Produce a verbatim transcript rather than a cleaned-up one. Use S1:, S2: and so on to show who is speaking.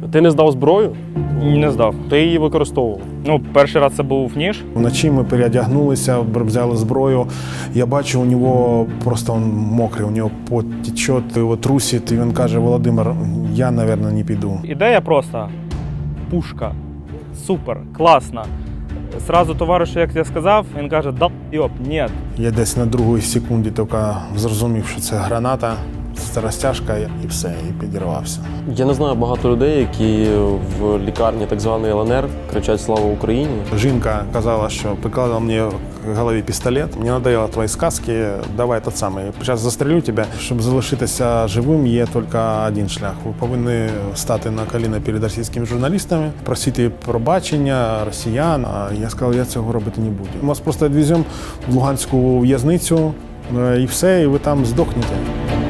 S1: Ти не здав зброю?
S2: Не здав.
S1: Ти її використовував?
S2: Ну, перший раз це був ніж.
S3: Вночі ми переодягнулися, взяли зброю. Я бачу, у нього просто він мокрий, у нього пот тече, його трусить. І він каже: Володимир, я, мабуть, не піду.
S2: Ідея просто пушка. Супер, класна. Зразу товаришу, як я сказав, він каже: да йоп, ні.
S3: Я десь на другій секунді тільки зрозумів, що це граната, це розтяжка, і все, і підірвався.
S1: Я не знаю багато людей, які в лікарні так званої Л Н Р кричать «Слава Україні».
S3: Жінка казала, що прикладала мені к голові пістолет. Мені надоело твої сказки, давай тот самий. Зараз застрелю тебе. Щоб залишитися живим, є тільки один шлях. Ви повинні стати на коліна перед російськими журналістами, просити пробачення росіян. А я сказав, я цього робити не буду. Ми вас просто відвеземо в Луганську в'язницю, і все, і ви там здохнете.